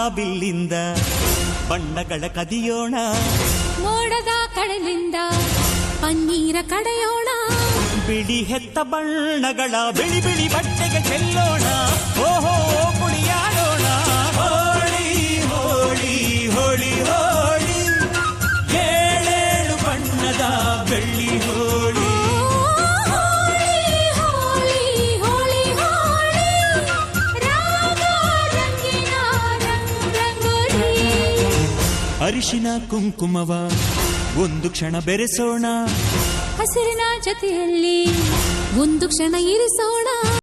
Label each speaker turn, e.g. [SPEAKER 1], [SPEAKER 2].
[SPEAKER 1] ಬಿಲ್ಲಿಂದ ಬಣ್ಣಗಳ ಕದಿಯೋಣ,
[SPEAKER 2] ಮೋಡದ ಕಡಲಿಂದ ಪನ್ನೀರ ಕಡೆಯೋಣ,
[SPEAKER 1] ಬಿಳಿ ಹೆತ್ತ ಬಣ್ಣಗಳ ಬಿಳಿ ಬಿಳಿ ಬಟ್ಟೆಗೆ ಚೆಲ್ಲೋಣ, ಓಹೋ ಕುಣಿಯಾಡೋಣ. ಹೋಳಿ ಹೋಳಿ ಹೋಳಿ ಹೋಳಿ, ಏಳೇಳು ಬಣ್ಣದ ಬೆಳ್ಳಿ ಹೋಳಿ. ಅರಿಶಿನ ಕುಂಕುಮವ ಒಂದು ಕ್ಷಣ ಬೆರೆಸೋಣ,
[SPEAKER 2] ಹಸಿರಿನ ಜೊತೆಯಲ್ಲಿ ಒಂದು ಕ್ಷಣ ಇರಿಸೋಣ.